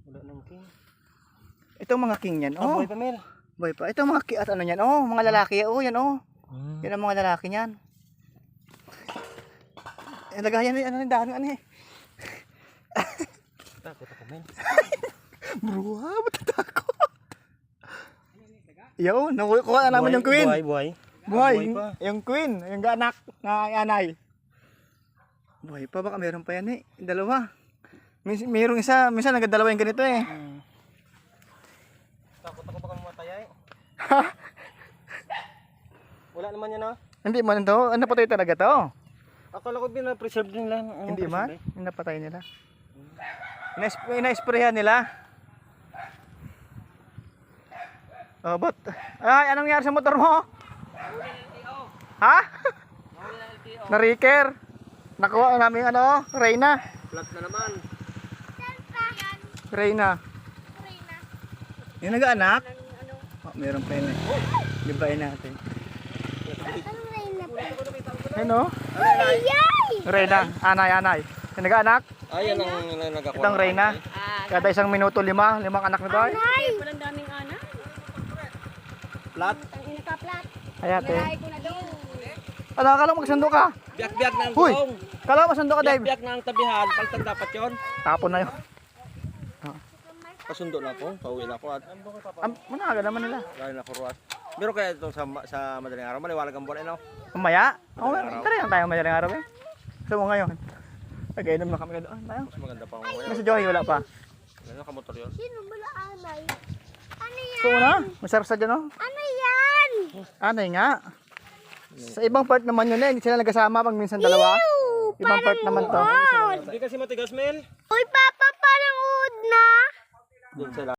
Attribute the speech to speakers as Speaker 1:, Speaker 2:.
Speaker 1: Wala nang king.
Speaker 2: Itong mga king yan, oh.
Speaker 1: Boy pa, Mel.
Speaker 2: Boy pa. Itong mga at ano yan, oh. Mga lalaki, oh. Yan, oh. Yan ang mga lalaki niyan. Lagayan ano yung dahon, ano eh.
Speaker 1: Takot ako, Mel.
Speaker 2: Bro, ba't takot? Yo, nakuha na naman yung queen.
Speaker 1: Buhay.
Speaker 2: Buhay,
Speaker 1: Buhay pa.
Speaker 2: yung queen, yung anak na anay. Buhay pa, baka meron pa yan eh. Dalawa. Mayroong isa, minsan nagdadalawa yung ganito eh.
Speaker 1: Takot ako baka mamatay ay. Wala naman yan, ah.
Speaker 2: Hindi man to, napatay talaga to.
Speaker 1: Akala ko pina-preserve din lang.
Speaker 2: Hindi man, napatay nila. Ina-sprayhan nila. Oh, but ay, anong nangyari sa motor mo? Ha? Na-reker. Nakuha namin ano, Reyna.
Speaker 1: Flat na naman.
Speaker 2: Reyna. Yung nag-anak? Oh, meron pa yun eh. Libain natin. Ano? Reyna, anay. Yung nag-anak?
Speaker 1: Ay, yan ang nagakuha.
Speaker 2: Itong Reyna. Kada isang minuto, limang anak nito ay.
Speaker 3: Walang daming anak.
Speaker 1: Flat.
Speaker 3: Ang inaka-flat.
Speaker 2: Ayate.
Speaker 3: Ay, ko na doon.
Speaker 2: Ano, akala mo magsundo ka?
Speaker 1: Biyak-biyak na ang
Speaker 2: Huy!
Speaker 1: gulong.
Speaker 2: Kala mo magsundo ka, Dave?
Speaker 1: Biyak-biyak na ang tabihan. Paltag dapat yun.
Speaker 2: Tapon na yun.
Speaker 1: Pasundo na ako. Pauwi na ako at
Speaker 2: Managa naman nila.
Speaker 1: lalo na ako ruwas. Pero kaya ito sa madaling araw, maliwalag ang buwan, ano?
Speaker 2: Mamaya? Oo, tara lang tayo madaling araw eh. Gusto mo ngayon? Nag-inom na kami na doon. Tayo.
Speaker 1: Mas maganda pa ang buwan.
Speaker 2: Nasa Joey, wala pa.
Speaker 1: Ano ka motor yun?
Speaker 3: Sino ba anay? Ano yan?
Speaker 2: Gusto mo na? Masarap sa dyan, oh.
Speaker 3: Ano yan?
Speaker 2: Anay nga. Sa ibang part naman yun eh. Hindi sila nagkasama pag minsan dalawa. Ibang part naman to.
Speaker 1: Hindi kasi matigas, Mel.
Speaker 3: Uy, Papa, parang uod na.
Speaker 1: Doon sila.